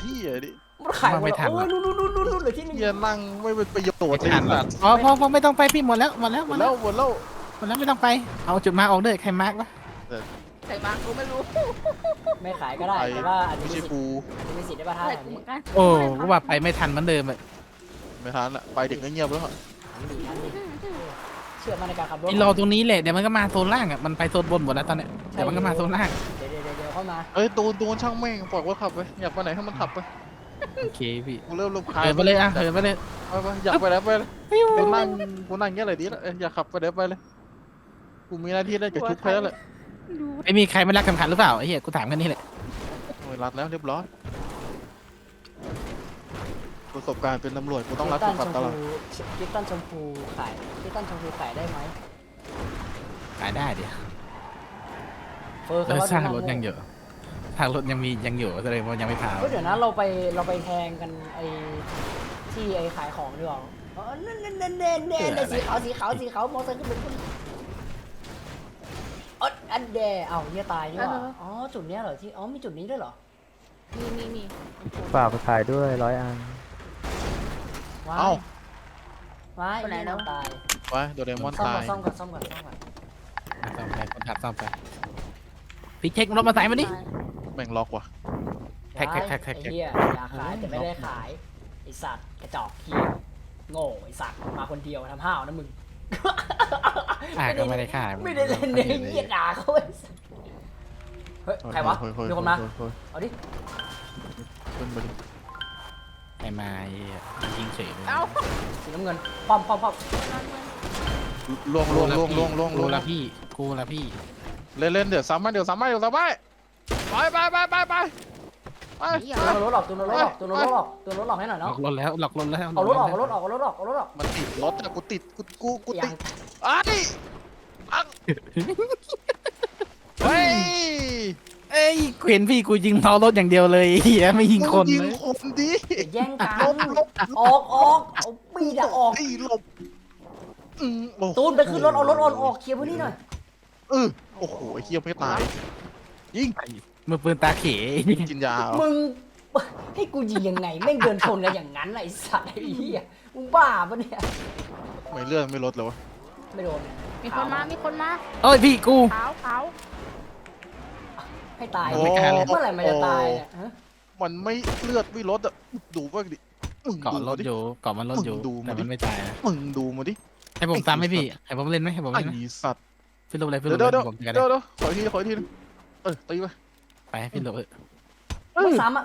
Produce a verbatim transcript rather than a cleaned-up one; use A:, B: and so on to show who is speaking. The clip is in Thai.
A: ที่ไอ้ดิ
B: มันขายหมดแล้วโอ้ยนู่นนู่นนู่นนู่นเหลือที่หนึ่ง
A: เฮียนั่งไม่เป็นประโยชน์เลยสัตว์
C: อ๋อพอพอไม่ต้องไปพี่หมดแล้วหมดแล้ว
A: ห
C: ห
A: ม
C: ม
A: ด
C: ด
A: แล้
C: แล้ว ว
A: หมดแล้ว
C: หมดแล้วไม่ต้องไปเอาจุดมาออกเลยใครมาร์กวะ
D: ใส่บางกูไม่รู้
B: ไม่ขายก็ได้แต่ว่าอาจจะ
A: ไม่
B: มี
A: ใช่
B: สิทธิ์
A: กู
B: อาจจะมีสิทธิ์ได้ป่ะท่า
D: ใส่
B: แบบ
D: กูเห
B: นี้
D: มือนกัน
C: โอ้ก็ว่าไปไม่ทันเหมือนเดิมอะ
A: ไม่ทันละไปถึงก็เงียบแล้ว
B: ทันดีทันดีเชื่อมั่นในการขับรถ
C: ไอ้รอตรงนี้แหละเดี๋ยวมันก็มาโซนล่างอะมันไปโซนบนหมดแล้วตอนเนี้ยเดี๋ยวมันก็มาโซนล่าง
B: เดี๋ยวเดี๋ยวเดี๋ยวเดี๋ยวเข้ามา
A: เอ้ยตูนตูนช่างแม่งปล่อยว่าขับไปอยากไปไหนให้มันขับไป
C: โอเคพี่
A: กูเริ่มรำคาญ
C: เหินไปเลยอ่ะเหินไปเลย
A: ไปไปอยากไปแล้วไปเลยกูนั่งกูนั่งเงี้ยเลยดีแล้วอยากขับไปเดี๋ยวไปเลยกูมีหน้าที่ได้กับชุดแพ้เลย
C: ไม่มีใครไม่รักคำขันหรือเปล่าไอ้เหี้ยกูถามกันนี่แหละ
A: โอ้ยรัดแล้วเรียบร้อยประสบการณ์เป็นตำรวจกูต้องรัด
B: คริ
A: ทุ
B: ส
A: ก
B: ตั
A: ขั
B: น
A: บ
B: ช
A: ต
B: ม
A: ลอด
B: พูคริสตันชมพูขายคริสตันชมพูขายได้ไหม
C: ขายได้เดี๋ยว
B: เฟอร์
C: เออ
B: เขา
C: สร้างรถยังอยู่สร้างรถยังมียังอยู่แสดงว่ายังไม่พา
B: ก็เดี๋ยวนะเราไปเราไปแทงกันไอที่ไอขายของดีกว่าอ๋อเน่นเน่นเน่นเน่นเน่นสีขาวสีขาวสีขาวมอเตอร์ไซค์ขึ้นไปขึ้นอ๋ออันเดย์เอาเนี่ยตายนี่หว่าอ๋อจุดเนี้ยเหรอที่อ๋อมีจุดนี้ด้วยเหรอ
D: มีมีมี
E: ฝากไปขายด้วยร้อยอัน
B: ว้า
A: เอ้าย
B: ว้ายนี่น้องตาย
A: ไปโดเรมอน
B: ซ่อม
A: ตา
B: ก่อย นซ่อมก่อนซ่อมก่อนซ่อมก่อน
C: ซ่อมไปคนขับซ่อมไปพี่เช็ครถมาใส่มาดิ
A: แม่งล็อกว่ะ
C: แท็กแท็กแท็กแท็ก
B: ไอ้เหี้ยอยากขายแต่ไม่ได้ขายไอสัตว์กระจอกเขี้ยโง่ไอสัตว์มาคนเดียวทำห้าวนะมึง
C: อ่าก็ไม่ได้ขาย
B: ไม่ได้เล่นเนี่ยเหี้ยด่าเขาไอ้สัสเฮ้ย ใครวะ
A: เฮ้ยเฮ้ย
B: มีคนมา
A: เฮ้ยเฮ้ย
B: เอาดิ
A: ขึ้นมาดิ
C: ไอ้มาไอ้เหี้ยยิงเฉยเลย
D: เอ้า
B: สีน้ำเงินป้อมป้อมป้อม
A: ล่วงล่วงล่วงล่วงล่วง
C: กู
A: ล่วง
C: ละพี่กูละพี่
A: เล่นเล่นเดี๋ยวซ้ำมาเดี๋ยวซ้ำมาเดี๋ยวซ้ำมาไปไปไปไปไปไป
D: นี่
B: ตัว
D: อ่ะ
B: รถหลอกตัวรถหลอกตัวรถหลอกตัวรถหลอกให้หน่อย
C: หลอ
B: เนาะ
C: กรถแล้วหลอกรถแล้ว
B: เอารถออกเอารถออกเอารถออกเอารถออกเอารถออก
A: มันติดรถอะกูติดกูกูกู
B: ยั
A: ติ
B: ง
A: ดไอ้อังเฮ้ย
C: เอ้ยกูเห็นพี่กูยิงเมารถอย่างเดียวเลยเฮียไม่ยิงคน
A: ยิง
C: เลย
A: คนดิ
B: อย่าแย่งกัน
A: ลบลบ
B: ออกออกเอาปีดอะออก
A: ไอ้หลบอืมโอ้โห
B: ตูนไปขึ้นรถเอารถออกออกเคลียร์พื้นที่หน่อย
A: เออโอ้โหไอ้เหี้ยไม่ตายยิง
C: มือปืนตาเข
A: กินยาเหรอ
B: มึงให้กูยิงยังไงแม่งเดินชนกันอย่างนั้นไอ้สัตว์ไอ้เหี้ยมึงบ้าปะเนี่ย
A: ไม่เลื่อนไม่ลดเลยวะ
B: ไม่โดน
D: มีคนมามีคนมา
C: เอ้ยพี่กู
D: ขาวขาว
B: ให้ตาย
C: ไม่กล้าเลย
B: เมื่อไหร่มันจะตายเนี่ยฮะ
A: มันไม่เลือดไม่ลดอะดูว่าดิมึง
C: เกาะ
A: ดู
C: ร
A: มา
C: ถ
A: ดิ
C: อยู่เกาะมันรถอยู่
A: มึงดู
C: แต่
A: มาดิ
C: มันไม่ตายนะ
A: มึงดูมาดิ
C: ให้ผมตามไหมพี่ให้ผมเล่นไหมให้ผม
A: ไอ้
C: เล่นไหม
A: สัตว์
C: พี่ลบเลยพี่ล
A: เดี๋ยว
C: บเล
A: เดี๋ย
C: ยว ผมจะกัน
A: เดี๋ยวเดี๋ยวขออีกทีขออีกทีนึงเออตีไป
C: ไปให้พี่ลบ
B: ไม่ซ้ำอะ